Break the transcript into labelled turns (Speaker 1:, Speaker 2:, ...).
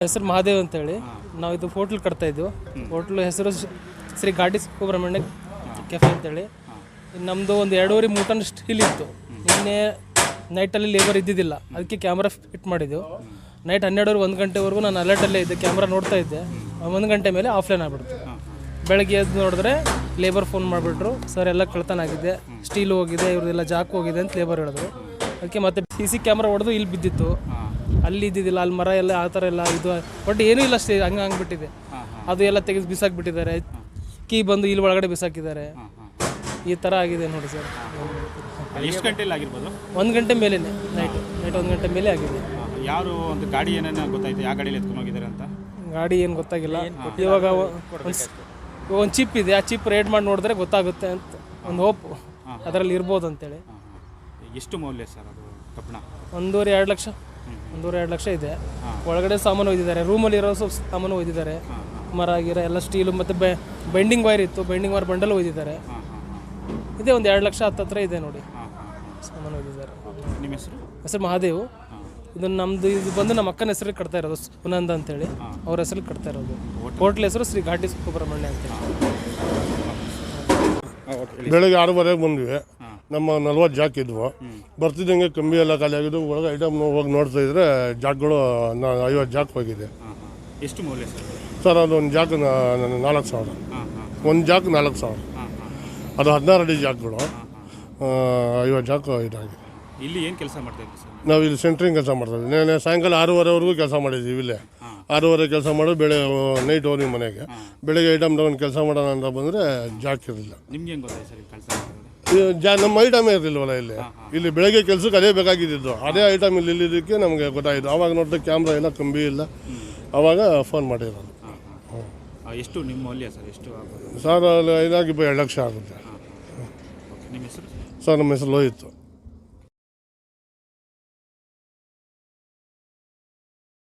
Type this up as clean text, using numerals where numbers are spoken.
Speaker 1: ಹೆಸರು ಮಹಾದೇವ್ ಅಂತೇಳಿ. ನಾವು ಇದು ಹೋಟ್ಲ್ ಕಟ್ತಾ ಇದ್ವು. ಹೋಟ್ಲು ಹೆಸರು ಶ್ರೀ ಘಾಟಿ ಸುಬ್ರಹ್ಮಣ್ಯ ಕೆಫೆ ಅಂತೇಳಿ. ನಮ್ಮದು ಒಂದು 2.5 ಟನ್ ಸ್ಟೀಲ್ ಇತ್ತು. ನಿನ್ನೆ ನೈಟಲ್ಲಿ ಲೇಬರ್ ಇದ್ದಿದ್ದಿಲ್ಲ, ಅದಕ್ಕೆ ಕ್ಯಾಮ್ರಾ ಫಿಟ್ ಮಾಡಿದ್ದೆವು. ನೈಟ್ 12 1 ಗಂಟೆವರೆಗೂ ನಾನು ಅಲರ್ಟಲ್ಲೇ ಇದ್ದೆ, ಕ್ಯಾಮ್ರಾ ನೋಡ್ತಾ ಇದ್ದೆ. 1 ಗಂಟೆ ಮೇಲೆ ಆಫ್ಲೈನ್ ಆಗಿಬಿಡ್ತು. ಬೆಳಗ್ಗೆ ಎದ್ದು ನೋಡಿದ್ರೆ ಲೇಬರ್ ಫೋನ್ ಮಾಡಿಬಿಟ್ರು, ಸರ್ ಎಲ್ಲ ಕಳ್ತನ ಆಗಿದೆ, ಸ್ಟೀಲ್ ಹೋಗಿದೆ, ಇವ್ರದ್ದೆಲ್ಲ ಜಾಕ್ ಹೋಗಿದೆ ಅಂತ ಲೇಬರ್ ಹೇಳಿದ್ರು. ಅದಕ್ಕೆ ಮತ್ತೆ CC ಕ್ಯಾಮ್ರಾ ಹೊಡೆದು ಇಲ್ಲಿ ಬಿದ್ದಿತ್ತು, ಅಲ್ಲಿ ಇದ್ದಿದ್ದಿಲ್ಲ, ಅಲ್ಲಿ ಮರ ಎಲ್ಲ ಆ ಥರ ಎಲ್ಲ ಇದು ಬಟ್ ಏನೂ ಇಲ್ಲ, ಅಷ್ಟೇ ಹಂಗೆ ಅದು ಎಲ್ಲ ತೆಗೆದು ಬಿಸಾಕಿಬಿಟ್ಟಿದ್ದಾರೆ. ಕೀ ಬಂದು ಇಲ್ಲಿ ಒಳಗಡೆ ಬಿಸಾಕಿದ್ದಾರೆ. ಈ ಥರ ಆಗಿದೆ ನೋಡಿ ಸರ್.
Speaker 2: ಎಷ್ಟು ಗಂಟೆಯಲ್ಲಿ ಆಗಿರ್ಬೋದು?
Speaker 1: 1 ಗಂಟೆ ಮೇಲೆ, ನೈಟ್ 1 ಗಂಟೆ ಮೇಲೆ ಆಗಿದೆ.
Speaker 2: ಯಾರು ಒಂದು ಗಾಡಿ ಏನೇನು ಗೊತ್ತಾಯ್ತು, ಯಾವ ಗಾಡಿಯಲ್ಲಿ ಎತ್ಕೊಂಡು ಹೋಗಿದ್ದಾರೆ ಅಂತ?
Speaker 1: ಗಾಡಿ ಏನು ಗೊತ್ತಾಗಿಲ್ಲ. ಇವಾಗ ಒಂದು ಚಿಪ್ ಇದೆ, ಆ ಚಿಪ್ ರೇಡ್ ಮಾಡಿ ನೋಡಿದ್ರೆ ಗೊತ್ತಾಗುತ್ತೆ ಅಂತ ಒಂದು ಹೋಪ್ ಅದರಲ್ಲಿ ಇರ್ಬೋದು ಅಂತೇಳಿ.
Speaker 2: ಎಷ್ಟು ಮೌಲ್ಯ ಸರ್ ಅದು ಕಬ್ಬಣ?
Speaker 1: 1.5 ಲಕ್ಷ, 1.5 ಲಕ್ಷ ಇದೆ. ಒಳಗಡೆ ಸಾಮಾನು ಒಯ್ದಿದ್ದಾರೆ, ರೂಮಲ್ಲಿ ಇರೋ ಸಾಮಾನು ಒಯ್ದಿದ್ದಾರೆ, ಮರ ಗಿರ ಎಲ್ಲ ಸ್ಟೀಲು ಮತ್ತು ಬೈಂಡಿಂಗ್ ವೈರ್ ಇತ್ತು, ಬೈಂಡಿಂಗ್ ವೈರ್ ಬಂಡಲ್ ಒಯ್ದಿದ್ದಾರೆ. ಇದೇ ಒಂದು 2 ಲಕ್ಷ ಹತ್ರ ಇದೆ ನೋಡಿ ಸಾಮಾನು ಒಯ್ದಿದ್ದಾರೆ.
Speaker 2: ನಿಮ್ಮ ಹೆಸರು?
Speaker 1: ಹೆಸರು ಮಹಾದೇವ್. ಇದು ನಮ್ಮದು, ಇದು ಬಂದು ನಮ್ಮ ಅಕ್ಕನ ಹೆಸರಿಗೆ ಕಟ್ತಾ ಇರೋದು, ಸುನಂದ ಅಂತೇಳಿ ಅವ್ರ ಹೆಸರಿಗೆ ಕಟ್ತಾ ಇರೋದು. ಹೋಟ್ಲ್ ಹೆಸರು ಶ್ರೀ ಘಾಟಿ ಸುಬ್ರಹ್ಮಣ್ಯ ಅಂತೇಳಿ.
Speaker 3: ಬೆಳಗ್ಗೆ 6:30 ಬಂದ್ವಿ. ನಮ್ಮ 40 ಜಾಕ್ ಇದ್ವು. ಬರ್ತಿದ್ದಂಗೆ ಕಂಬಿ ಎಲ್ಲ ಖಾಲಿ ಆಗಿದ್ದು. ಒಳಗೆ ಐಟಮ್ ಹೋಗಿ ನೋಡ್ತಾ ಇದ್ರೆ ಜಾಕ್ಗಳು 50 ಜಾಕ್ ಹೋಗಿದೆ.
Speaker 2: ಎಷ್ಟು ಮೌಲ್ಯ
Speaker 3: ಸರ್? ಅದು ಒಂದು ಜಾಕ್ 4,000. ಒಂದು ಜಾಕ್ 4,000. ಅದು 16 ಅಡಿ ಜಾಕ್ಗಳು, 50 ಜಾಕ್ ಇದಾಗಿದೆ.
Speaker 2: ಇಲ್ಲಿ ಏನು ಕೆಲಸ ಮಾಡ್ತಾ ಇದ್ದೀವಿ ಸರ್?
Speaker 3: ನಾವು ಇಲ್ಲಿ ಸೆಂಟ್ರಿಂಗ್ ಕೆಲಸ ಮಾಡ್ತಾಯಿದ್ವಿ. ನೆನೆ ಸಾಯಂಕಾಲ 6:30ವರೆಗೂ ಕೆಲಸ ಮಾಡಿದ್ದೀವಿ ಇಲ್ಲೇ. 6:30 ಕೆಲಸ ಮಾಡಿ ನೈಟ್ ಹೋಗಿ ಮನೆಗೆ. ಬೆಳಗ್ಗೆ ಐಟಮ್ ತಗೊಂಡು ಕೆಲಸ ಮಾಡೋಣ ಅಂತ ಬಂದರೆ ಜಾಕ್ ಇರಲಿಲ್ಲ.
Speaker 2: ನಿಮ್ಗೆ ಹೆಂಗೆ ಗೊತ್ತಾಯ್ತು ಸರ್ ಕೆಲಸ?
Speaker 3: ನಮ್ಮ ಐಟಮೇ ಇರಲಿಲ್ವಲ್ಲ ಇಲ್ಲಿ ಬೆಳಗ್ಗೆ ಕೆಲಸಕ್ಕೆ ಅದೇ ಬೇಕಾಗಿದ್ದು. ಅದೇ ಐಟಮ್ ಇಲ್ಲಿದ್ದಕ್ಕೆ ನಮಗೆ ಗೊತ್ತಾಯಿತು. ಆವಾಗ ನೋಡಿದ್ರೆ ಕ್ಯಾಮ್ರಾ ಇಲ್ಲ, ಕಂಬಿ ಇಲ್ಲ. ಆವಾಗ ಫೋನ್ ಮಾಡಿರೋದು.
Speaker 2: ಎಷ್ಟು ನಿಮ್ಮ ಮೌಲ್ಯ ಸರ್? ಎಷ್ಟು ಆಗೋದು
Speaker 3: ಸರ್? ಇದಾಗಿ 2 ಲಕ್ಷ ಆಗುತ್ತೆ.
Speaker 2: ನಿಮ್ಮ ಹೆಸರು?
Speaker 3: ಸರ್ ನಮ್ಮ ಹೆಸರು ಲೋಹಿತ್.